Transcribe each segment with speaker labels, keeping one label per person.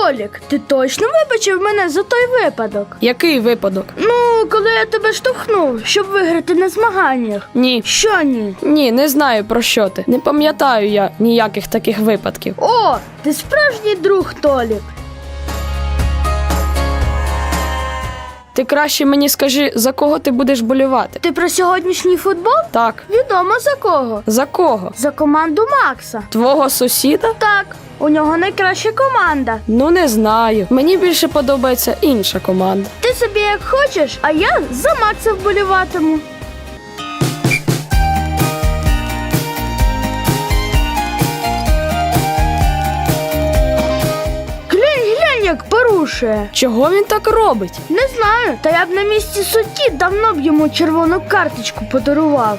Speaker 1: Толік, ти точно вибачив мене за той випадок?
Speaker 2: Який випадок?
Speaker 1: Ну, коли я тебе штовхнув, щоб виграти на змаганнях.
Speaker 2: Ні.
Speaker 1: Що ні?
Speaker 2: Ні, не знаю, про що ти. Не пам'ятаю я ніяких таких випадків.
Speaker 1: О, ти справжній друг, Толік.
Speaker 2: Ти краще мені скажи, за кого ти будеш болювати?
Speaker 1: Ти про сьогоднішній футбол?
Speaker 2: Так.
Speaker 1: Відомо за кого.
Speaker 2: За кого?
Speaker 1: За команду Макса.
Speaker 2: Твого сусіда?
Speaker 1: Так, у нього найкраща команда.
Speaker 2: Ну, не знаю. Мені більше подобається інша команда.
Speaker 1: Ти собі як хочеш, а я за Макса вболіватиму. Глянь, як порушує.
Speaker 2: Чого він так робить?
Speaker 1: Не знаю, та я б на місці судді давно б йому червону карточку подарував.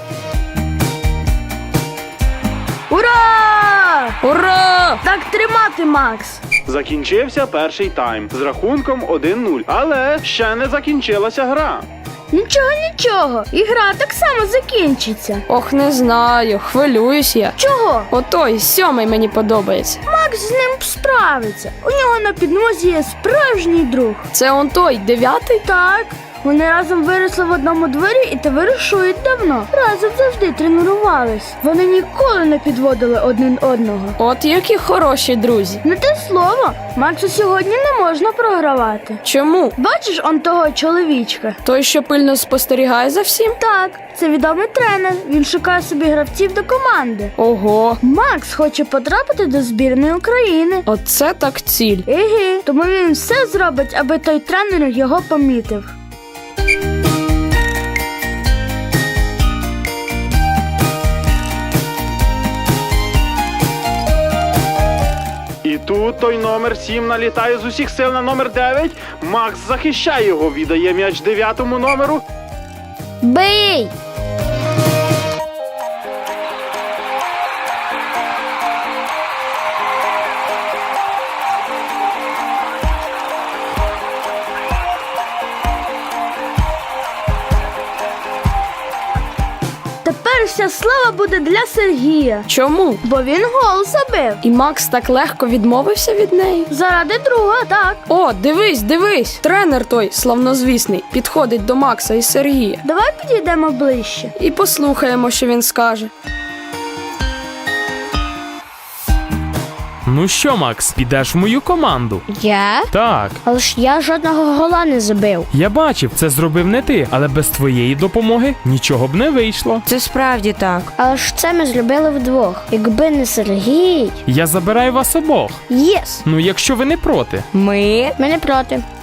Speaker 1: Ура!
Speaker 2: Ура!
Speaker 1: Так тримати, Макс.
Speaker 3: Закінчився перший тайм з рахунком 1-0, але ще не закінчилася гра.
Speaker 1: Нічого, ігра так само закінчиться.
Speaker 2: Ох, не знаю, хвилююсь я.
Speaker 1: Чого?
Speaker 2: Отой, 7-й мені подобається.
Speaker 1: Макс з ним справиться. У нього на підмозі є справжній друг.
Speaker 2: Це он той, 9-й?
Speaker 1: Так, вони разом виросли в одному дворі і товаришують давно. Разом завжди тренувались. Вони ніколи не підводили один одного.
Speaker 2: От які хороші друзі.
Speaker 1: Не те слово, Максу сьогодні не можна програвати.
Speaker 2: Чому?
Speaker 1: Бачиш он того чоловічка?
Speaker 2: Той, що пильно спостерігає за всім?
Speaker 1: Так, це відомий тренер. Він шукає собі гравців до команди.
Speaker 2: Ого,
Speaker 1: Макс хоче потрапити до збірної України.
Speaker 2: оце так ціль.
Speaker 1: Еге, тому він все зробить, аби той тренер його помітив.
Speaker 3: І тут той номер 7 налітає з усіх сил на номер 9. Макс захищає його, віддає м'яч 9-му номеру.
Speaker 1: Бий! Тепер вся слава буде для Сергія,
Speaker 2: Чому?
Speaker 1: бо він гол забив.
Speaker 2: І Макс так легко відмовився від неї?
Speaker 1: Заради друга, так.
Speaker 2: О, дивись! Тренер той, славнозвісний, підходить до Макса і Сергія.
Speaker 1: Давай підійдемо ближче.
Speaker 2: І послухаємо, що він скаже.
Speaker 4: Ну що, Макс, підеш в мою команду?
Speaker 5: Я?
Speaker 4: Так.
Speaker 5: Але ж я жодного гола не забив.
Speaker 4: Я бачив, це зробив не ти, але без твоєї допомоги нічого б не вийшло.
Speaker 5: Це справді так. Але ж це ми зробили вдвох. Якби не Сергій.
Speaker 4: Я забираю вас обох.
Speaker 5: Єс!
Speaker 4: Ну, якщо ви не проти.
Speaker 5: Ми не проти.